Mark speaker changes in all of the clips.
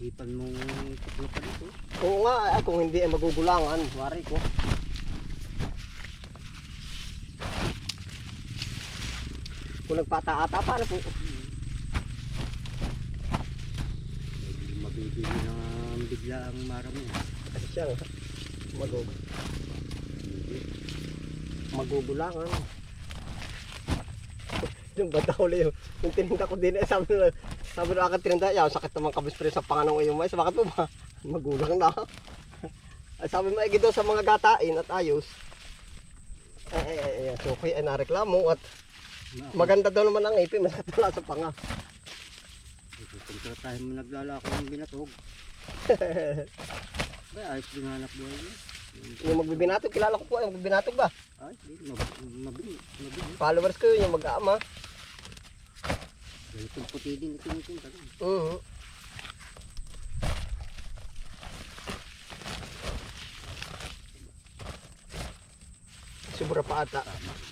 Speaker 1: Ipan mong tuklo pa dito.
Speaker 2: Oo nga, kung hindi ay magugulangan. Wari ko. Kung nagpata-ata, paano po?
Speaker 1: Mabibili ng bigla ang marami.
Speaker 2: Kasi siya, magugulangan. Yung bata uli yung tininda ko din, sabi na akin tininda, sakit naman kabispre sa panganong yung mais, bakit po ba? Magulang na. Ay, sabi mo, daw sa mga gatain at ayos. So, kaya nareklamo at maganda daw naman ang ipin, masakit wala sa panga.
Speaker 1: Kung tayo mo naglalako ng binatog. Ay, ayos din hanap buhay niya.
Speaker 2: Yung magbibinatog, kilala ko po yung magbibinatog ba?
Speaker 1: Ay, mabili.
Speaker 2: Followers ko yun, yung mag-aama.
Speaker 1: Ganitong puti din ito nito.
Speaker 2: Sobra pa ata.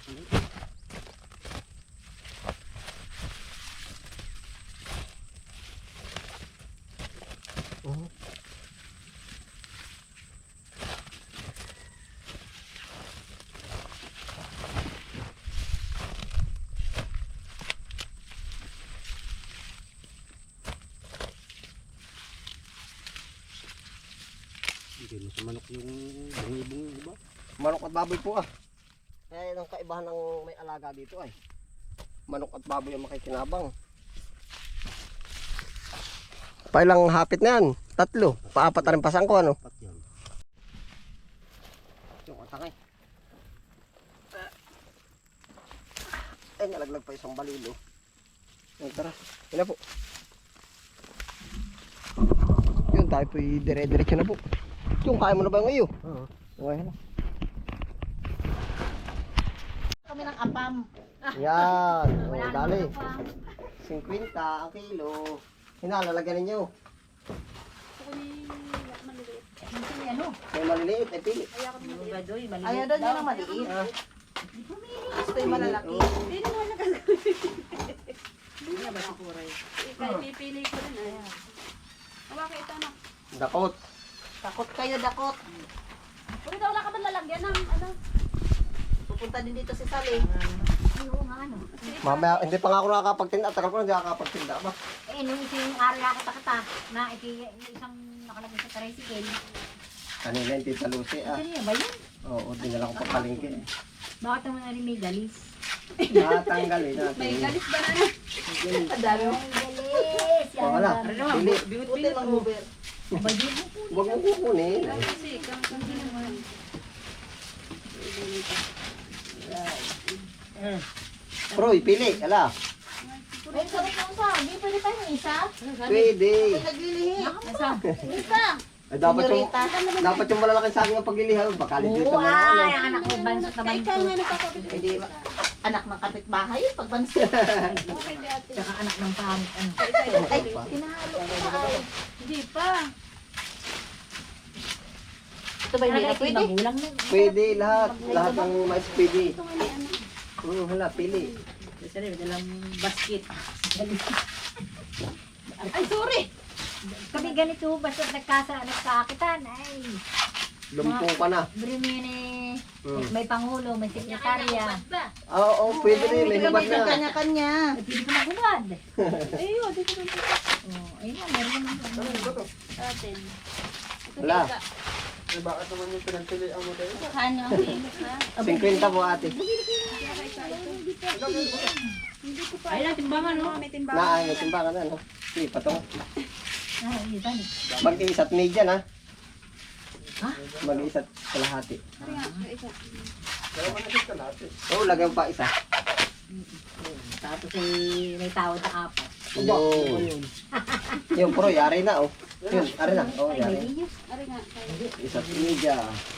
Speaker 1: Hindi mo sa manok yung bungi-bungi, di ba?
Speaker 2: Manok at baboy po ah. Kaya yun ang kaibahan ng may alaga dito ay. Manok at baboy ang makikinabang. Pailang hapit na yan? 3. Paapat na rin pasang ko ano?
Speaker 1: Pat yan.
Speaker 2: Yung atangay. Ay, nalaglag pa isang balilo. Ay, tara. Yun na po. Yun, tayo po dire-diretso na po. Yung, kaya mo na ba yung iyo?
Speaker 1: Oo.
Speaker 2: Okay na.
Speaker 3: Kami ng apam.
Speaker 2: Yan. O,
Speaker 3: Wala
Speaker 2: dali.
Speaker 3: naman apam.
Speaker 2: 50 ang kilo. Hinalalagyan ninyo.
Speaker 3: Minsan may ano?
Speaker 2: May maliliit, ay pili.
Speaker 3: Ayaw daw niya ng maliit.
Speaker 2: Ah,
Speaker 3: Gusto yung malalaki.
Speaker 4: Hindi naman nagagawin.
Speaker 3: Hindi na ba si Kuray?
Speaker 4: Ikaw, pipili ko rin. Ayan. Hawakan ito na.
Speaker 2: dakot.
Speaker 3: Takot kayo, dakot.
Speaker 4: Kung ikaw wala ka ba lalagyan ng ano?
Speaker 3: Pupunta din dito si Sally.
Speaker 4: Ay, oo nga ano.
Speaker 2: Mamaya, hindi pa nga ako nakakapagtinda. Tagal ko na hindi nakakapagtinda ba?
Speaker 3: Nung isang araw nakita na isang nakalagay sa tricycle.
Speaker 2: Kanina yung Tita Lucy ah.
Speaker 3: Kanina ba yun?
Speaker 2: Oo, dinala ko pa palengke.
Speaker 3: Bakit naman na rin may galis?
Speaker 2: Natanggalin natin.
Speaker 4: May galis ba na na?
Speaker 3: Madami. May galis!
Speaker 2: O, wala. Pili.
Speaker 3: Buti lang Uber.
Speaker 2: Huwag mo kukunin.
Speaker 4: Kasi, hindi naman.
Speaker 2: Proy, pili. Ala.
Speaker 3: May sarap lang sa. Hindi pwede tayo ng isa?
Speaker 2: Pwede.
Speaker 3: Naglilihi. Isa.
Speaker 2: Ay, dapat yung malalaking saging ang paglilihan. Baka legit
Speaker 3: Oo,
Speaker 2: naman ano.
Speaker 3: ay, ang anak ko bansot na
Speaker 4: Ikaw nga
Speaker 3: bansot.
Speaker 4: nagkakapit.
Speaker 3: Hindi, anak ng kapitbahay yun, pag bansot.
Speaker 4: Okay, di ate.
Speaker 3: Tsaka anak ng pamit. Ano. Ay, tinahalo ko pa. Ay.
Speaker 4: Hindi pa.
Speaker 3: Ito ba hindi na pwede? Magulang na.
Speaker 2: Pwede lahat. Lahat ng mais pwede.
Speaker 4: Ito nga ni ano.
Speaker 2: Hala, pili.
Speaker 3: Isa rin, dalang basket.
Speaker 4: Ay, sorry!
Speaker 3: Kami ganito, basta nagkaakitan. Ay,
Speaker 2: Lumpong ka na.
Speaker 3: Brimini,
Speaker 2: Hmm.
Speaker 3: may pangulo, may sekretarya.
Speaker 2: Oo, pwede rin. May hibat na.
Speaker 3: Kanya-kanya. Pwede ko magulad.
Speaker 4: Ay, yun. Dito na ito.
Speaker 3: Oh, ayun na, meron naman.
Speaker 4: Atin. Ito
Speaker 2: Wala.
Speaker 4: teka.
Speaker 2: Bakit naman yung pinagpilihan mo tayo?
Speaker 4: Ano ang pilis ha?
Speaker 2: 50 po ate.
Speaker 4: Hindi ko pa.
Speaker 3: Ayun na, timbangan, no?
Speaker 4: May timbangan.
Speaker 2: May timbangan na, no? Sige, patong.
Speaker 3: Ah, yun, tani.
Speaker 2: Mag-iisa't media na.
Speaker 3: Ha?
Speaker 2: Mag-iisa't kalahati.
Speaker 4: Ari nga, isa.
Speaker 2: Oo, lagyan pa isa.
Speaker 3: Tapos may tawad na 4.
Speaker 2: Yun. Yung pro, yari na, oh. Yun, yari na. Oh,
Speaker 3: Ay, may
Speaker 2: yari.
Speaker 3: iyo.
Speaker 4: Ari nga.
Speaker 2: Isa't media.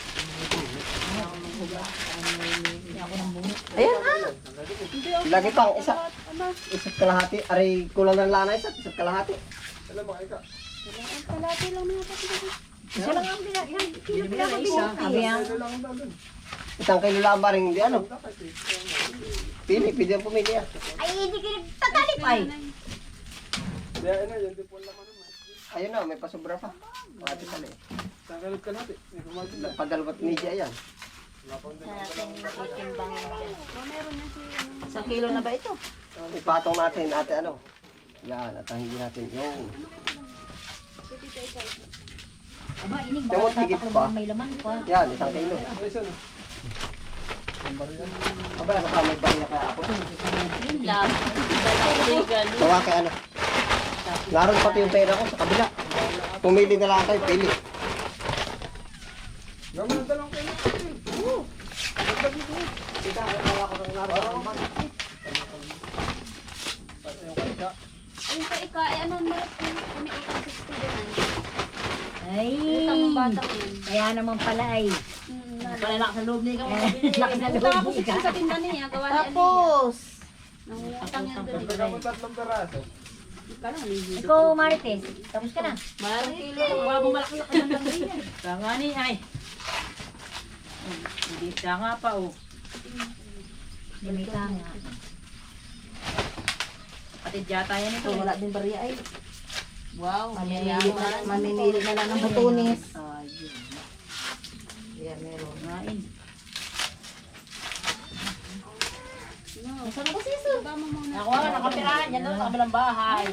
Speaker 3: Hindi ako ng bunot.
Speaker 2: Ayan na. Lagi pang isa.
Speaker 4: Ano?
Speaker 2: Isa't kalahati. Aray, kulang ng lana isa't kalahati.
Speaker 4: Ang kalati lang mga kapatid.
Speaker 3: Isa lang ang pinag-isa. Sabi ang
Speaker 2: Isang kilo lang ba rin, hindi ano? Pili, pili ang pumili ah.
Speaker 3: ay, hindi ka tatalip ay.
Speaker 2: Ayun na, may pasobra pa. Pati pala eh.
Speaker 1: Tanggalot ka natin. May pumatin lang.
Speaker 2: Padalawat media yan.
Speaker 3: Natin itimbangin dyan.
Speaker 4: Meron yan si ano.
Speaker 3: Isang kilo na ba ito?
Speaker 2: Ipatong natin, ate ano. Yan, at hindi natin yung...
Speaker 3: Aba, inig.
Speaker 2: Tawag,
Speaker 3: Baka
Speaker 2: higit
Speaker 3: tataklo
Speaker 2: pa.
Speaker 3: may laman pa.
Speaker 2: Yan, 1 kilo.
Speaker 1: Ay, isa na.
Speaker 2: Aba, nakamay ba niya kaya ako?
Speaker 3: Yun lang. Legal.
Speaker 2: Gawa kay ano. Naroon pati yung pera ko sa kabila. Pumili na lang kayo, pili.
Speaker 1: Gawin ng 2 kilo.
Speaker 2: Kita, kaya ako ng naroon.
Speaker 4: Ay, ika, ay ano na, umiikot sa student.
Speaker 3: Ay.
Speaker 4: Utang ng bata ko yun.
Speaker 3: Kaya naman pala ay. Pala lakas sa loob niya ikaw. Lakas sa
Speaker 4: Utang
Speaker 3: loob
Speaker 4: ako
Speaker 3: niya.
Speaker 4: sa tinda niya, gawa ni
Speaker 5: Tapos,
Speaker 4: Nangutang yan doon.
Speaker 1: Pagka mo 3 peraso.
Speaker 3: Ikaw, Marites. Tapos ka na.
Speaker 4: Marites. Wala mo malaki-laki ng langay yan.
Speaker 6: Tanga ni ay. Hindi tanga pa oh.
Speaker 3: Hindi ka nga.
Speaker 6: Patid yata yan ito.
Speaker 5: wala din bariya ay.
Speaker 6: Wow.
Speaker 5: Maninili na lang ng butunis.
Speaker 6: Ayun.
Speaker 5: Yan, meron.
Speaker 6: Ngain.
Speaker 5: Saan ko siso?
Speaker 4: Baba mo muna.
Speaker 6: Ako nga nakapirahan yan doon sa kabilang bahay.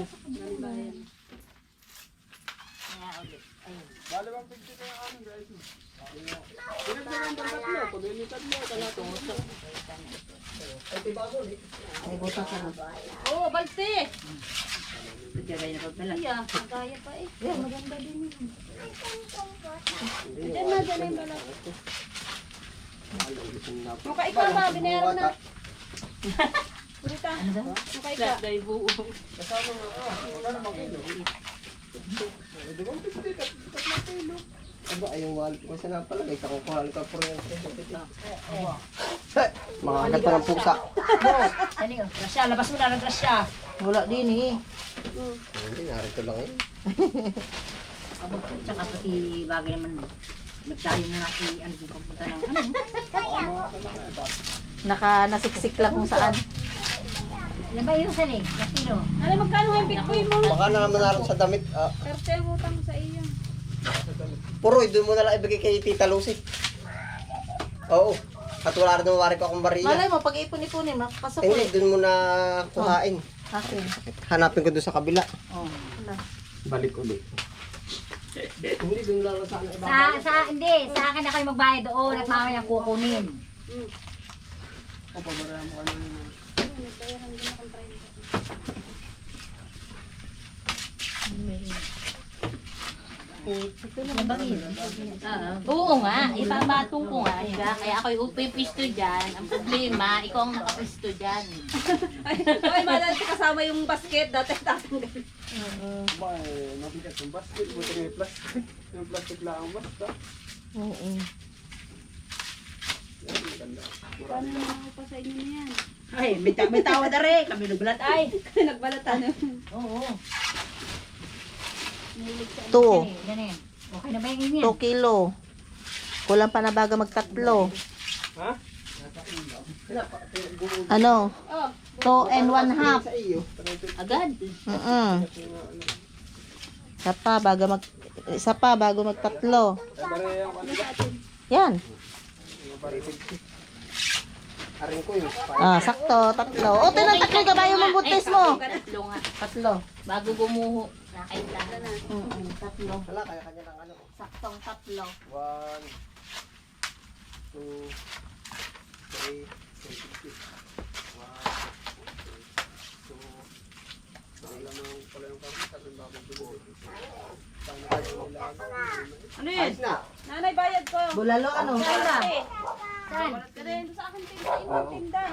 Speaker 1: Bale bang pigti na yung ano guys. Pinagdagan ng 3. Pag may 3, kalato.
Speaker 5: May butas na.
Speaker 4: Oo, balte.
Speaker 6: Nagkagay na pagpala.
Speaker 4: Iya, magaya pa eh.
Speaker 5: Yan, maganda din yun.
Speaker 4: Diyan na, dyan na yung balak. Mukha ikaw ba, binayaran na. Burita. Mukha ikaw.
Speaker 6: Flat day buo.
Speaker 2: Aba, ayong wallet ko sa napalagay. Kakukuha ka po rin. Mga agad pa ng pusa.
Speaker 3: Dali oh.
Speaker 6: Grasya, labas mo na ng grasya.
Speaker 5: Wala din eh.
Speaker 2: Hindi, narito lang eh.
Speaker 3: Tsaka pati bagay naman. Nagtayo mo na ano yung pagpunta ng ano.
Speaker 5: Nasiksik lang kung saan.
Speaker 3: Ilan ba yung saling? Kilo.
Speaker 4: Ano, magkano yung bitcoin mo?
Speaker 2: Baka na naman naroon sa damit.
Speaker 4: Cartel mo tang sa iyo.
Speaker 2: Puroy, doon mo na lang ibigay kay Tita Lucy. Oo. At wala rin mawari ko akong bariya.
Speaker 5: Malay mo, pag ipon-ipunin, makapasok
Speaker 2: Hindi,
Speaker 5: ulit.
Speaker 2: doon mo na kuhain.
Speaker 5: Akin.
Speaker 2: Hanapin ko doon sa kabila.
Speaker 5: Oh, wala.
Speaker 2: Balik ulit. Hindi, doon lang sana iba.
Speaker 3: Hindi, sa akin na kayo magbayad doon at mamaya kukunin.
Speaker 1: O, pabarayan mo kanina.
Speaker 3: Ano ba yun?
Speaker 6: Oo nga, ibabatong ko nga siya. Kaya ako'y upipisto dyan. Ang problema, ikaw ang nakapisto dyan.
Speaker 4: Ay, malala kasama yung basket. Dati tatanggal.
Speaker 1: Ba, mabigat yung basket. Buti may plastic. Yung plastic lang ang basta.
Speaker 5: Oo.
Speaker 4: Paano naman ako pa sa inyo na yan?
Speaker 6: Ay, may tawa na rin. Kami nagbalat ay.
Speaker 4: Nagbalatan.
Speaker 3: Oo.
Speaker 5: Two.
Speaker 3: Ganun. Okay na ba yung ganyan?
Speaker 5: 2 kilo. Kulang pa na baga magtatlo.
Speaker 1: Ha?
Speaker 5: Ano?
Speaker 4: Oh,
Speaker 5: 2 and 1 half.
Speaker 2: Sa iyo.
Speaker 6: Agad.
Speaker 5: Isa pa bago magtatlo.
Speaker 1: Pabarayan ko kanina.
Speaker 5: Yan.
Speaker 2: Arin ko yun.
Speaker 5: Sakto, tatlo. O, tinataklo ka ba yung buntis mo?
Speaker 6: Tatlo nga.
Speaker 5: Tatlo.
Speaker 6: Bago gumuho. Nakailan.
Speaker 5: Tatlo.
Speaker 2: Wala, kanya-kanya ng ano.
Speaker 5: Saktong tatlo.
Speaker 2: 1, 2, 3, 4,
Speaker 4: ano yun?
Speaker 2: Ayos na.
Speaker 4: Nanay, bayad ko.
Speaker 5: Bulalo, ano?
Speaker 3: Saan?
Speaker 4: Kasi yun sa akin tinda. Yung tinda.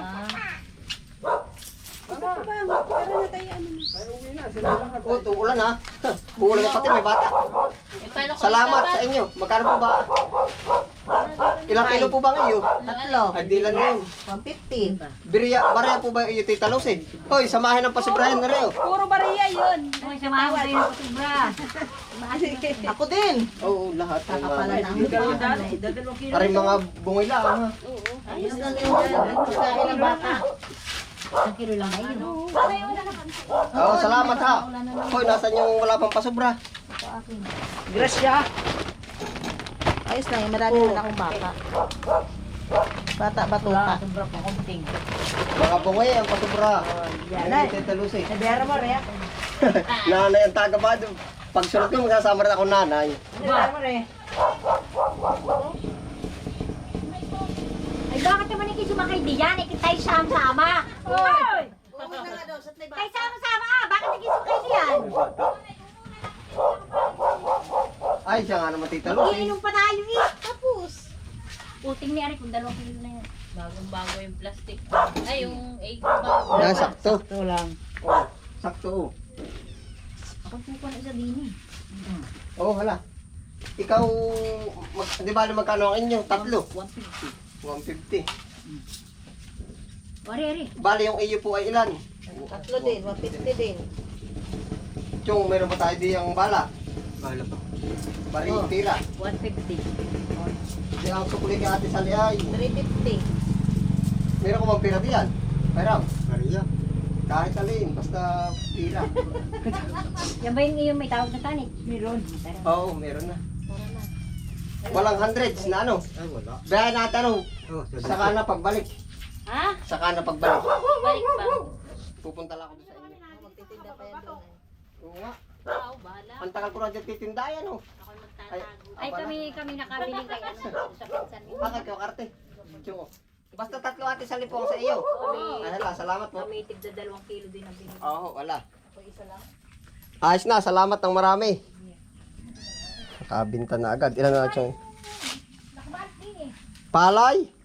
Speaker 4: Ano ba? Pero na tayo ano na.
Speaker 1: Ay, uwi na. Sila lang.
Speaker 2: Oh, tumulan ha. Uulan na pati, may bata. Salamat sa inyo. Magkano po ba? Ilang kilo po ba ngayon?
Speaker 5: Tatlo.
Speaker 2: Ay, di lang yun.
Speaker 5: 150.
Speaker 2: Bariya po ba yung Tita Lucy? Hoy, samahin ng pasibrahan na rin.
Speaker 4: Puro bariya yun.
Speaker 3: Ay, samahan mo tayo ng patubra.
Speaker 5: Ako din.
Speaker 2: Oo, lahat.
Speaker 5: Kakapala na ang
Speaker 6: Dadalawang kilo.
Speaker 2: Aring mga bungoy lang ha.
Speaker 5: Ayos lang yun dyan. Pagkain ng bata.
Speaker 3: Isang kilo lang ba yun?
Speaker 2: Oo, salamat ha. Hoy, nasan yung wala pang pasobra?
Speaker 5: Gracia. Ayos na yun. Marami naman akong baka. Bata, batuta.
Speaker 3: Sobra pa konting.
Speaker 2: Mga bungay ang pasubra.
Speaker 3: Yan
Speaker 2: Ay, Tita Lucy.
Speaker 3: Nabiyara mo, Rhea.
Speaker 2: Nanay ang tagabado. Pag sunod ko, magsasama rin ako nanay.
Speaker 3: Nabiyara mo, Rhea. Ay, bakit naman hindi sumakay diyan? Tayo sama-sama. Hoy! Tayo sama-sama. Bakit hindi sumakay diyan?
Speaker 2: Ay, siya nga naman Tita Lucy.
Speaker 3: Iinom pa tayo eh. Tapos. Puting ni Ari kung 2 kilo na yan.
Speaker 6: Bagong-bago yung plastic. Ay, yung egg bago.
Speaker 2: Yan, sakto.
Speaker 3: Ito lang.
Speaker 2: Oh, sakto.
Speaker 3: Ako po na isa din eh.
Speaker 2: Oh, hala. Ikaw, di ba magkano ang inyo? 3?
Speaker 3: 150.
Speaker 2: 150.
Speaker 3: Wari, Ari.
Speaker 2: Bali, yung iyo po ay ilan?
Speaker 5: 3 din, 150 din.
Speaker 2: Chong, meron ba tayo di ang bala? Bala pa. Bari, tira.
Speaker 3: 150.
Speaker 2: Di ang sukuli ka ate Sally ay.
Speaker 5: 350.
Speaker 2: Meron ko bang pira diyan? Meron. Maria. Kahit alin, basta pira.
Speaker 3: Yan ba yung may tawag na tanik? Meron.
Speaker 2: Oo, meron na. Walang hundreds na ano? Ay, wala. Bayan natin ano? Saka na pagbalik.
Speaker 6: Ha?
Speaker 2: Saka na pagbalik.
Speaker 6: Balik ba?
Speaker 2: Pupunta lang ako doon sa inyo.
Speaker 5: Magtitinda pa yan doon.
Speaker 2: Oo nga.
Speaker 6: Oo, bahala.
Speaker 2: Ang tagal ko na dyan titindayan oh.
Speaker 6: Ako magtatago.
Speaker 3: Ay, kami nakabili kay ano sa pinsan mo.
Speaker 2: Bakit kayo karte? Chong. Basta 3 ate Sally po sa iyo. Ay, hala, salamat po.
Speaker 3: Kami tigda 2 kilo din ang binili.
Speaker 2: Oo, wala.
Speaker 3: Ako isa lang.
Speaker 2: Ayos na, salamat ng marami. Nakabinta na agad. Ilan na Chong?
Speaker 3: Nakabalik din eh.
Speaker 2: Palay?